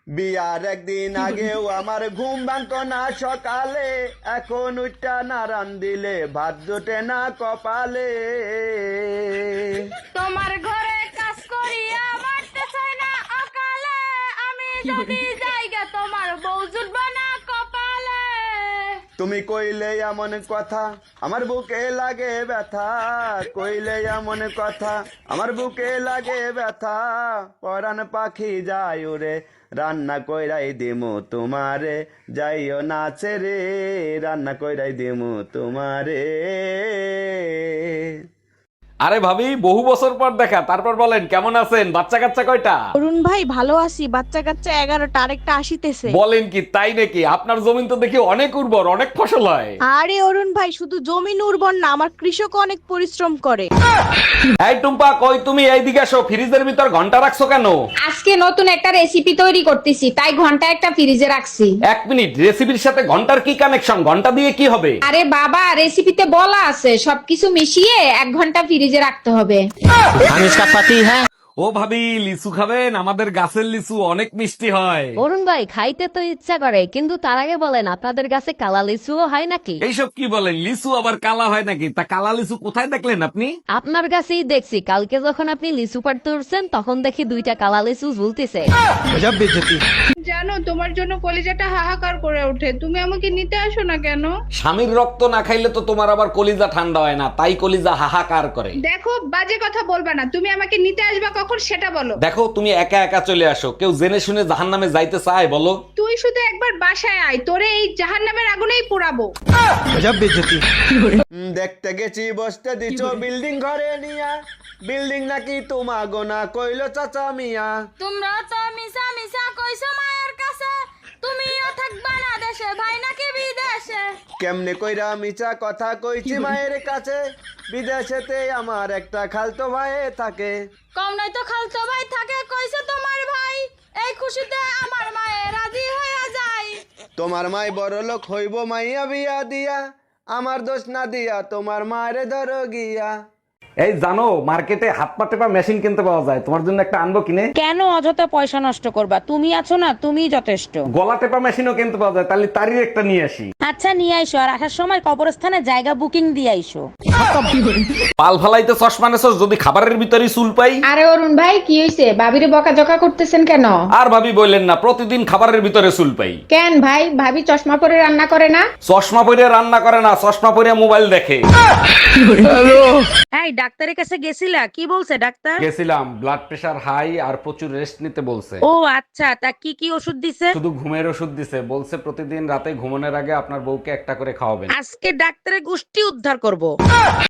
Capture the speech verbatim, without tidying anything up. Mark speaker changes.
Speaker 1: বিয়ার একদিন আগেও আমার ঘুম ভাঙতো না সকালে, এখন উঠটা না রান দিলে ভাত জোটে না কপালে।
Speaker 2: তোমার ঘরে কাজ করিয়া মারতে চাই না অকালে, আমি যদি জায়গা তোমার বউ জুটবে না কপালে।
Speaker 1: তুমি কইলে এমন কথা আমার বুকে লাগে ব্যথা, কইলে এমন কথা আমার বুকে লাগে ব্যথা। পরাণ পাখি যায় উড়ে রান্না কইরাই দিমু তোমারে, যাইও নাচে রে রান্না কইরাই দিমু তোমারে।
Speaker 3: আরে ভাবি, বহু বছর পর দেখা, তারপর বলেন কেমন আছেন? বাচ্চা কাচ্চা কয়টা?
Speaker 4: অরুণ ভাই ভালো আছি, বাচ্চা কাচ্চা এগারোটা, আরেকটা আসিতেছে।
Speaker 3: বলেন কি, তাই নাকি? আপনার জমিন তো দেখি অনেক উর্বর, অনেক ফসল হয়।
Speaker 4: আরে অরুণ ভাই, শুধু জমিন উর্বর না, আমার কৃষক অনেক পরিশ্রম করে।
Speaker 3: এই টুম্পা, কই তুমি? এইদিকে আসো। ফ্রিজের ভিতর ঘন্টা রাখছো কেন?
Speaker 2: আজকে নতুন একটা রেসিপি তৈরি করতেছি, তাই ঘন্টা একটা ফ্রিজে রাখছি।
Speaker 3: এক মিনিট, রেসিপির সাথে ঘন্টার কি কানেকশন? ঘন্টা দিয়ে কি হবে?
Speaker 2: আরে বাবা, রেসিপিতে বলা আছে সবকিছু মিশিয়ে এক ঘন্টা ফ্রিজে রাখতে হবে।
Speaker 5: हम इसका पति है।
Speaker 3: ও ভাবি, লিচু খাবেন? আমাদের গাছের লিচু অনেক মিষ্টি হয়।
Speaker 6: অরুণ ভাই, খাইতে তো ইচ্ছা করে, কিন্তু তার আগে বলেন আপনাদের কাছে কালা লিচুও হয় নাকি?
Speaker 3: এইসব কি বলেন? লিচু আবার কালা হয় নাকি? তা কালা লিচু কোথায় দেখলেন আপনি?
Speaker 6: আপনার কাছেই দেখছি, কালকে যখন আপনি লিচু পাড়তে উঠছেন তখন দেখি দুইটা কালা লিচু ঝুলতেছে।
Speaker 7: জানো, তোমার জন্য কলিজাটা হাহাকার করে ওঠে, তুমি আমাকে নিতে আসো না কেন?
Speaker 3: স্বামীর রক্ত না খাইলে তো তোমার আবার কলিজা ঠান্ডা হয় না, তাই কলিজা হাহাকার করে।
Speaker 7: দেখো, বাজে কথা বলবা না, তুমি আমাকে নিতে আসবা কখন সেটা বলো।
Speaker 3: দেখো, তুমি একা একা চলে আসো, কেউ জেনে শুনে জাহান্নামে যাইতে চায় বলো?
Speaker 7: তুই শুধু একবার বাসায় আয়, তোরে এই জাহান্নামের আগুনেই পোড়াবো।
Speaker 1: উম, দেখতে গেছি বসতে দিছো বিল্ডিং ঘরে নিয়া, বিল্ডিং নাকি তোমা গোনা কইলো চাচা মিয়া।
Speaker 2: তোমরা তো মিশা মিশা কইছো মায়ের কাছে, তুমিও থাকবা না দেশে, ভাই নাকি বিদেশে।
Speaker 1: কেমনে কইরা মিছা কথা কইছি মায়ের কাছে, বিদেশেতে আমার একটা খালতো ভাই থাকে।
Speaker 2: কম নাই তো খালতো ভাই থাকে, কইছে তোমার ভাই, এই খুশিতে আমার মায়ে রাজি হয়ে যায়।
Speaker 1: তোমার মাই বড় লোক হইব মাইয়া বিয়া দিয়া, আমার দোষ না দিয়া তোমার মারে ধরো গিয়া।
Speaker 3: এই জানো, মার্কেটে হাত পা টেপা মেশিন কিনতে পাওয়া যায়, তোমার জন্য একটা আনবো কিনে?
Speaker 8: কেন অযথা পয়সা নষ্ট করবা? তুমি আছো না, তুমিই যথেষ্ট।
Speaker 3: গলা টেপা মেশিনও কিনতে পাওয়া যায়, তাহলে তারই একটা নিয়ে আসি।
Speaker 8: আচ্ছা নিয়ে আইসো, আর আসার সময় কবরস্থানে জায়গা বুকিং দিয়ে আইসো।
Speaker 3: পাল ফালাইতে চশমা নেছস, যদি খাবারের ভিতরে চুল পাই।
Speaker 7: আরে অরুণ ভাই, কি হইছে? ভাবিরে বকাঝকা করতেছেন কেন?
Speaker 3: আর ভাবি বললেন না, প্রতিদিন খাবারের ভিতরে চুল পাই।
Speaker 7: কেন ভাই, ভাবি চশমা পরে রান্না করে না?
Speaker 3: চশমা পরে রান্না করে না, চশমা পরে মোবাইল দেখে।
Speaker 8: এই ডাক্তারের কাছে গেছিলা? কি বলছে ডাক্তার?
Speaker 3: গেছিলাম, ব্লাড প্রেশার হাই আর প্রচুর রেস্ট নিতে বলছে।
Speaker 8: ও আচ্ছা, তা কি কি ওষুধ দিছে?
Speaker 3: শুধু ঘুমের ওষুধ দিছে, বলছে প্রতিদিন রাতে ঘুমানোর আগে আপনার বউকে একটা করে খাওয়াবেন।
Speaker 8: আজকে ডাক্তারের গোষ্ঠী উদ্ধার করব।